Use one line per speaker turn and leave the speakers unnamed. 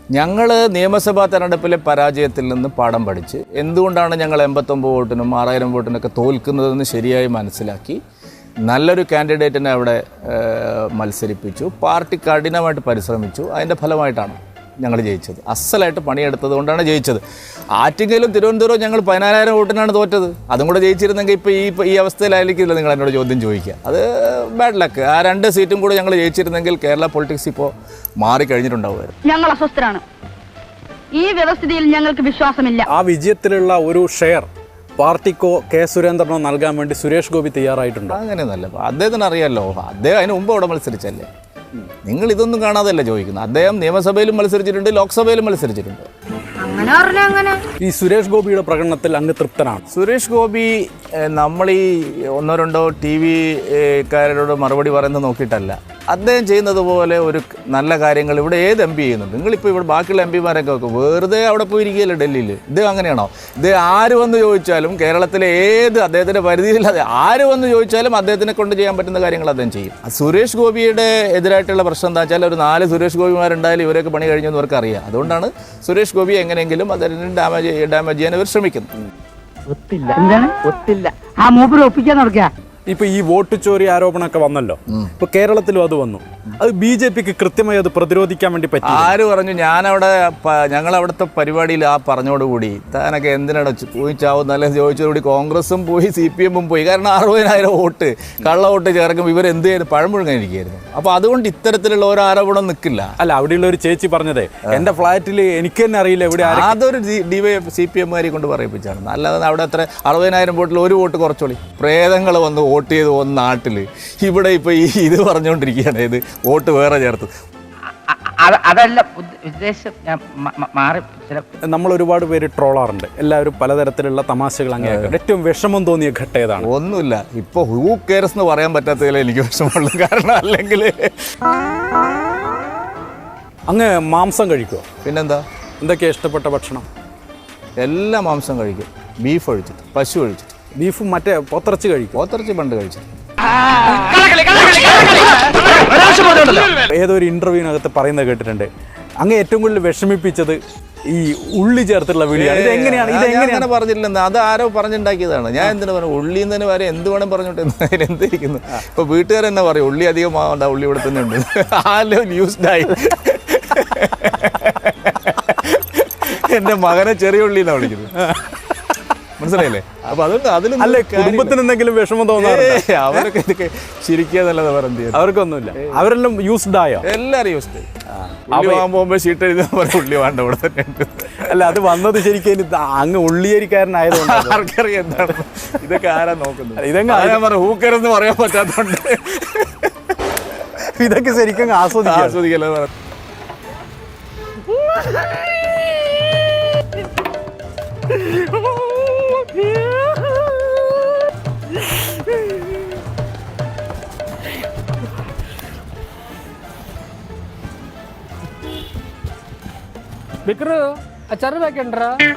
ഞങ്ങൾ നിയമസഭാ തെരഞ്ഞെടുപ്പിലെ പരാജയത്തിൽ നിന്ന് പാഠം പഠിച്ച് എന്തുകൊണ്ടാണ് ഞങ്ങൾ 89 വോട്ടിനും 6000 വോട്ടിനൊക്കെ തോൽക്കുന്നതെന്ന് ശരിയായി മനസ്സിലാക്കി നല്ലൊരു കാൻഡിഡേറ്റിനെ അവിടെ മത്സരിപ്പിച്ചു. പാർട്ടി കഠിനമായിട്ട് പരിശ്രമിച്ചു. അതിൻ്റെ ഫലമായിട്ടാണ് ഞങ്ങൾ ജയിച്ചത്. അസലായിട്ട് പണിയെടുത്തത് കൊണ്ടാണ് ജയിച്ചത്. ആറ്റിങ്ങലും തിരുവനന്തപുരവും ഞങ്ങൾ 14000 വോട്ടിനാണ് തോറ്റത്. അതും കൂടെ ജയിച്ചിരുന്നെങ്കിൽ ഇപ്പോൾ ഈ അവസ്ഥയിലായിരിക്കില്ല നിങ്ങൾ എന്നോട് ചോദ്യം ചോദിക്കുക. അത് ബാഡ് ലക്ക്. ആ 2 സീറ്റും കൂടെ ഞങ്ങൾ ജയിച്ചിരുന്നെങ്കിൽ കേരള പൊളിറ്റിക്സ് ഇപ്പോൾ മാറിക്കഴിഞ്ഞിട്ടുണ്ടാവുമായിരുന്നു.
ഞങ്ങൾ അസ്വസ്ഥരാണ്. ഈ വ്യവസ്ഥിതിയിൽ ഞങ്ങൾക്ക് വിശ്വാസമില്ല.
ആ വിജയത്തിലുള്ള ഒരു ഷെയർ പാർട്ടിക്കോ കെ സുരേന്ദ്രനോ നൽകാൻ വേണ്ടി സുരേഷ് ഗോപി തയ്യാറായിട്ടുണ്ടോ?
അങ്ങനെയൊന്നല്ല. അദ്ദേഹത്തിന് അറിയാമല്ലോ, അദ്ദേഹം അതിന് മുമ്പ് അവിടെ മത്സരിച്ചല്ലേ. നിങ്ങൾ ഇതൊന്നും കാണാതല്ല ചോദിക്കുന്നത്. അദ്ദേഹം നിയമസഭയിലും മത്സരിച്ചിട്ടുണ്ട്, ലോക്സഭയിലും മത്സരിച്ചിട്ടുണ്ട്.
ഈ സുരേഷ് ഗോപിയുടെ പ്രകടനത്തിൽ അങ്ങ് തൃപ്തനാണ്?
സുരേഷ് ഗോപി നമ്മൾ ഈ 1-2 TV-കാരോട് മറുപടി പറയുന്നത് നോക്കിയിട്ടല്ല. അദ്ദേഹം ചെയ്യുന്നത് പോലെ ഒരു നല്ല കാര്യങ്ങൾ ഇവിടെ ഏത് MP ചെയ്യുന്നുണ്ട്. നിങ്ങളിപ്പോൾ ഇവിടെ ബാക്കിയുള്ള MP-മാരൊക്കെ വെക്കും, വെറുതെ അവിടെ പോയിരിക്കുകയല്ലേ ഡൽഹിയിൽ. ഇദ്ദേഹം അങ്ങനെയാണോ? ഇദ്ദേഹം ആര് വന്ന് ചോദിച്ചാലും കേരളത്തിലെ ഏത് അദ്ദേഹത്തിൻ്റെ പരിധിയില്ലാതെ ആര് വന്ന് ചോദിച്ചാലും അദ്ദേഹത്തിനെ കൊണ്ട് ചെയ്യാൻ പറ്റുന്ന കാര്യങ്ങൾ അദ്ദേഹം ചെയ്യും. സുരേഷ് ഗോപിയുടെ എതിരായിട്ടുള്ള പ്രശ്നം എന്താ വെച്ചാൽ ഒരു 4 സുരേഷ് ഗോപിമാരുണ്ടായാലും ഇവരൊക്കെ പണി കഴിഞ്ഞെന്ന് അവർക്ക് അറിയാം. അതുകൊണ്ടാണ് സുരേഷ് ഗോപി എങ്ങനെയെങ്കിലും അതിന് ഡാമേജ് ചെയ്യാൻ ഇവർ ശ്രമിക്കുന്നു.
ഇപ്പൊ ഈ വോട്ട് ചോരി ആരോപണമൊക്കെ വന്നല്ലോ, ഇപ്പൊ കേരളത്തിലും അത് വന്നു. അത് BJPക്ക് കൃത്യമായി അത് പ്രതിരോധിക്കാൻ വേണ്ടി പറ്റി?
ആര് പറഞ്ഞു? ഞങ്ങളവിടുത്തെ പരിപാടിയിൽ ആ പറഞ്ഞോടുകൂടി താനൊക്കെ എന്തിനാണ് പോയി ചാവുന്നല്ലേ ചോദിച്ചതോടുകൂടി കോൺഗ്രസും പോയി CPM-ഉം പോയി. കാരണം 60000 വോട്ട് കള്ള വോട്ട് ചേർക്കുമ്പോൾ ഇവരെന്ത് ചെയ്ത് പഴം മുഴുകാനിരിക്കുകയായിരുന്നു. അപ്പോൾ അതുകൊണ്ട് ഇത്തരത്തിലുള്ള ഓരോ ആരോപണം നിൽക്കില്ല.
അല്ല, അവിടെയുള്ള ഒരു ചേച്ചി പറഞ്ഞതേ എൻ്റെ ഫ്ലാറ്റിൽ എനിക്ക് തന്നെ അറിയില്ല എവിടെ.
അതൊരു CPM-കാരെ കൊണ്ട് പറയിപ്പിച്ചാണ്. അല്ലാതെ അവിടെ എത്ര 60000 വോട്ടിൽ 1 വോട്ട് കുറച്ചോളി. പ്രേതങ്ങൾ വന്ന് വോട്ട് ചെയ്ത് വന്ന നാട്ടിൽ ഇവിടെ ഇപ്പോൾ ഇത് പറഞ്ഞുകൊണ്ടിരിക്കുകയാണ്, ഇത് വോട്ട് വേറെ ചേർത്ത്.
അതല്ല ഉദ്ദേശം.
നമ്മൾ ഒരുപാട് പേര് ട്രോളാറുണ്ട്, എല്ലാവരും പലതരത്തിലുള്ള തമാശകൾ അങ്ങനെയൊക്കെ. ഏറ്റവും വിഷമം തോന്നിയ ഘട്ടം ഏതാണ്?
ഒന്നുമില്ല, ഇപ്പോൾ ഹൂ കെയർസ് എന്ന് പറയാൻ പറ്റാത്തതിൽ എനിക്ക് വിഷമമുള്ളൂ. കാരണം അല്ലെങ്കിൽ
അങ്ങ് മാംസം കഴിക്കുമോ?
പിന്നെന്താ,
എന്തൊക്കെയാണ് ഇഷ്ടപ്പെട്ട ഭക്ഷണം?
എല്ലാ മാംസം കഴിക്കും. ബീഫ് ഒഴിച്ചിട്ട്, പശു ഒഴിച്ചിട്ട്.
ബീഫും മറ്റേ പോത്തിറച്ചി കഴിക്കും?
പോത്തിറച്ചി പണ്ട് കഴിച്ചു.
ഏതൊരു ഇന്റർവ്യൂവിനകത്ത് പറയുന്നത് കേട്ടിട്ടുണ്ട്, അങ്ങ് ഏറ്റവും കൂടുതൽ വിഷമിപ്പിച്ചത് ഈ ഉള്ളി ചേർത്തുള്ള വിളിയാണ്. ഇതെങ്ങനെയാണ്
പറഞ്ഞില്ലെന്ന്? അത് ആരോ പറഞ്ഞുണ്ടാക്കിയതാണ്. ഞാൻ എന്തിനാ പറഞ്ഞു? ഉള്ളി തന്നെ വരെ എന്ത് വേണം പറഞ്ഞോട്ടെ, എന്തിരിക്കുന്നു. ഇപ്പൊ വീട്ടുകാർ തന്നെ പറയും ഉള്ളി അധികം ആവണ്ട, ഉള്ളി ഇവിടെ തന്നെ ഉണ്ട്. ആലോ ന്യൂസ്ഡായി എൻ്റെ മകനെ ചെറിയ ഉള്ളി എന്നാണ് വിളിക്കുന്നത്. മനസ്സിലായില്ലേ? അപ്പൊ അതുകൊണ്ട് അതിലും
അല്ലേ കുടുംബത്തിന് എന്തെങ്കിലും വിഷമം തോന്നാറുണ്ട്?
അവരൊക്കെ ഇതൊക്കെ ചിരിക്കാന്നല്ലാതെ പറഞ്ഞ
അവർക്കൊന്നുമില്ല. അവരെല്ലാം യൂസ്ഡ് ആയോ?
എല്ലാവരും യൂസ്ഡ്. വാങ്ങാൻ പോകുമ്പോൾ ഷീട്ട് എഴുതാൻ പറഞ്ഞ ഉള്ളി വേണ്ട ഇവിടെ തന്നെ ഉണ്ട്.
അല്ല, അത് വന്നത് ശരിക്കും അങ്ങ് ഉള്ളിയേരിക്കാരനായതുകൊണ്ട്
ആർക്കറിയാം എന്താണ് ഇതൊക്കെ ആരാ നോക്കുന്നത്. ഇതെങ്ങനെ പറഞ്ഞ ഹൂക്കരെന്ന് പറയാൻ പറ്റാത്തതുകൊണ്ട്
ഇതൊക്കെ ശരിക്കും
ആസ്വദിക്കല്ലോ.
വിക്രു അച്ചാറ് വെക്കണ്ടാ?